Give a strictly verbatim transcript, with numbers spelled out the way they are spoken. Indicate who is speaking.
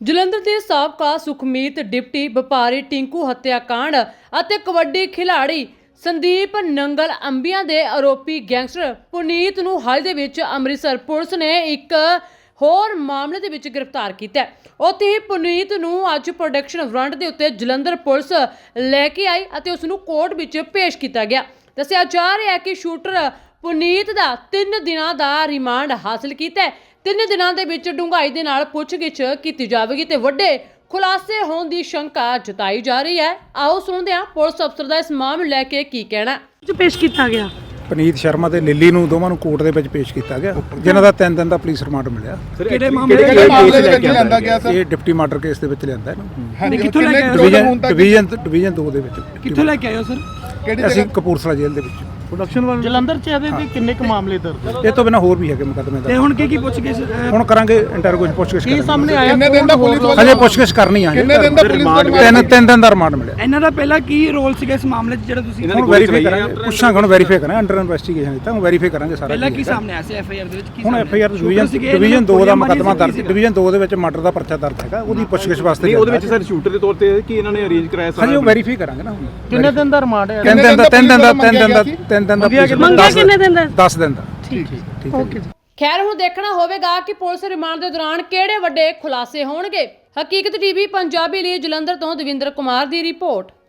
Speaker 1: ਜਲੰਧਰ ਦੇ ਸਾਬਕਾ ਸੁਖਮੀਤ ਡਿਪਟੀ ਵਪਾਰੀ ਟਿੰਕੂ ਹੱਤਿਆਕਾਂਡ ਅਤੇ ਕਬੱਡੀ ਖਿਡਾਰੀ ਸੰਦੀਪ ਨੰਗਲ ਅੰਬੀਆਂ ਦੇ ਆਰੋਪੀ ਗੈਂਗਸਟਰ ਪੁਨੀਤ ਨੂੰ ਹਾਲ ਦੇ ਵਿੱਚ ਅੰਮ੍ਰਿਤਸਰ ਪੁਲਿਸ ਨੇ ਇੱਕ ਹੋਰ ਮਾਮਲੇ ਦੇ ਵਿੱਚ ਗ੍ਰਿਫਤਾਰ ਕੀਤਾ ਹੈ। ਉੱਥੇ ਹੀ ਪੁਨੀਤ ਨੂੰ ਅੱਜ ਪ੍ਰੋਡਕਸ਼ਨ ਵਾਰੰਟ ਦੇ ਉੱਤੇ ਜਲੰਧਰ ਪੁਲਿਸ ਲੈ ਕੇ ਆਈ ਅਤੇ ਉਸ ਨੂੰ ਕੋਰਟ ਵਿੱਚ ਪੇਸ਼ ਕੀਤਾ ਗਿਆ। ਦੱਸਿਆ ਜਾ ਰਿਹਾ ਹੈ ਕਿ ਸ਼ੂਟਰ ਪੁਨੀਤ ਦਾ ਤਿੰਨ ਦਿਨਾਂ ਦਾ ਰਿਮਾਂਡ ਹਾਸਲ ਕੀਤਾ ਹੈ। ਤਿੰਨ ਦਿਨਾਂ ਦੇ ਵਿੱਚ ਡੂੰਘਾਈ ਦੇ ਨਾਲ ਪੁੱਛਗਿੱਛ ਕੀਤੀ ਜਾਵੇਗੀ ਤੇ ਵੱਡੇ ਖੁਲਾਸੇ ਹੋਣ ਦੀ ਸ਼ੰਕਾ ਜਤਾਈ ਜਾ ਰਹੀ ਹੈ। ਆਓ ਸੁਣਦੇ ਹਾਂ ਪੁਲਿਸ ਅਫਸਰ ਦਾ ਇਸ ਮਾਮਲੇ ਲੈ ਕੇ ਕੀ ਕਹਿਣਾ।
Speaker 2: ਪੇਸ਼ ਕੀਤਾ ਗਿਆ
Speaker 3: ਪਨੀਤ ਸ਼ਰਮਾ ਤੇ ਲਿੱਲੀ ਨੂੰ ਦੋਵਾਂ ਨੂੰ ਕੋਰਟ ਦੇ ਵਿੱਚ ਪੇਸ਼ ਕੀਤਾ ਗਿਆ, ਜਿਨ੍ਹਾਂ ਦਾ ਤਿੰਨ ਦਿਨ ਦਾ ਪੁਲਿਸ ਰਿਮਾਂਡ ਮਿਲਿਆ।
Speaker 2: ਕਿਹੜੇ ਮਾਮਲੇ
Speaker 3: ਦੇ ਵਿੱਚ ਲਿਆਂਦਾ ਗਿਆ ਸਰ? ਇਹ ਡਿਪਟੀ ਮਰਡਰ ਕੇਸ ਦੇ ਵਿੱਚ ਲਿਆਂਦਾ ਇਹਨੂੰ।
Speaker 2: ਕਿੱਥੋਂ ਲੈ ਕੇ ਆਏ?
Speaker 3: ਡਿਵੀਜ਼ਨ ਡਿਵੀਜ਼ਨ ਡਿਵੀਜ਼ਨ ਦੋ ਦੇ ਵਿੱਚ।
Speaker 2: ਕਿੱਥੋਂ ਲੈ ਕੇ ਆਏ ਹੋ ਸਰ?
Speaker 3: ਅਸੀਂ ਕਪੂਰਥਲਾ ਜੇਲ੍ਹ ਦੇ ਵਿੱਚ
Speaker 4: ਪ੍ਰੋਡਕਸ਼ਨ ਵਾਲ ਜਲੰਧਰ ਚ ਇਹਦੇ ਤੇ ਕਿੰਨੇ ਕੁ ਮਾਮਲੇ ਦਰਜ?
Speaker 3: ਇਹ ਤੋਂ ਬਿਨਾਂ ਹੋਰ ਵੀ ਹੈਗੇ ਮੁਕੱਦਮੇ
Speaker 2: ਤੇ
Speaker 3: ਦਾ।
Speaker 2: ਹੁਣ ਕੀ ਕੀ ਪੁੱਛ ਗਏ ਸਰ?
Speaker 3: ਹੁਣ ਕਰਾਂਗੇ ਇੰਟਰੋਗੇਸ਼ਨ ਪੁੱਛਗਿੱਛ
Speaker 4: ਕੀ ਸਾਹਮਣੇ ਆਇਆ?
Speaker 5: ਕਿੰਨੇ ਦਿਨ ਦਾ ਪੁਲਿਸ
Speaker 3: ਹਜੇ ਪੁੱਛਗਿੱਛ ਕਰਨੀ ਆ।
Speaker 5: ਕਿੰਨੇ ਦਿਨ ਦਾ ਪੁਲਿਸ
Speaker 3: ਤਿੰਨ ਤਿੰਨ ਦਿਨ ਦਾ ਰਿਮਾਂਡ ਮਿਲਿਆ।
Speaker 2: ਇਹਨਾਂ ਦਾ ਪਹਿਲਾਂ ਕੀ ਰੋਲ ਸੀਗਾ ਇਸ ਮਾਮਲੇ 'ਚ ਜਿਹੜਾ ਤੁਸੀਂ
Speaker 3: ਹੁਣ ਵੈਰੀਫਾਈ ਕਰਾਂਗੇ, ਪੁੱਛਾਂਗੇ, ਹੁਣ ਵੈਰੀਫਾਈ ਕਰਾਂਗੇ, ਅੰਡਰ ਇਨਵੈਸਟੀਗੇਸ਼ਨ ਦਿੱਤਾ, ਹੁਣ ਵੈਰੀਫਾਈ ਕਰਾਂਗੇ ਸਾਰਾ।
Speaker 2: ਪਹਿਲਾਂ ਕੀ ਸਾਹਮਣੇ ਆਇਆ ਸੀ ਐਫ ਆਈ ਆਰ ਦੇ ਵਿੱਚ? ਕੀ
Speaker 3: ਹੁਣ F I R division division ਦੋ ਦਾ ਮੁਕੱਦਮਾ ਦਰਜ, ਡਿਵੀਜ਼ਨ ਦੋ ਦੇ ਵਿੱਚ ਮਰਡਰ ਦਾ ਪਰਚਾ ਦਰਜ ਹੈਗਾ, ਉਹਦੀ ਪੁੱਛਗਿੱਛ ਵਾਸਤੇ।
Speaker 6: ਨਹੀਂ, ਉਹਦੇ ਵਿੱਚ ਸਰ ਸ਼ੂਟਰ ਦੇ ਤੌਰ ਤੇ ਕੀ ਇਹਨਾਂ ਨੇ ਅਰੇਂਜ ਕਰਾਇਆ ਸਾਰਾ?
Speaker 3: ਹਜੇ ਉਹ ਵੈਰੀਫਾਈ ਕਰਾਂਗੇ ਨਾ। ਹੁਣ
Speaker 4: ਕਿੰਨੇ ਦਿਨ ਦਾ ਰਿਮਾਂਡ ਹੈ?
Speaker 3: ਤਿੰਨ ਦਿਨ ਦਾ ਤਿੰਨ ਦਿਨ ਦਾ ਤਿੰਨ ਦਿਨ ਦਾ ਤਿੰਨ ਦਿਨ ਦਾ
Speaker 2: ਮੰਗਿਆ ਕਿੰਨੇ ਦਿਨ ਦਾ?
Speaker 3: ਦਸ ਦਿਨ ਦਾ।
Speaker 2: ਠੀਕ ਠੀਕ ਓਕੇ।
Speaker 1: ਖੈਰ ਹੁਣ ਦੇਖਣਾ ਹੋਵੇਗਾ ਕਿ ਪੁਲਿਸ ਰਿਮਾਂਡ ਦੇ ਦੌਰਾਨ ਕਿਹੜੇ ਵੱਡੇ ਖੁਲਾਸੇ ਹੋਣਗੇ। ਹਕੀਕਤ ਟੀਵੀ ਪੰਜਾਬੀ ਲਈ ਜਲੰਧਰ ਤੋਂ ਦਵਿੰਦਰ ਕੁਮਾਰ ਦੀ ਰਿਪੋਰਟ।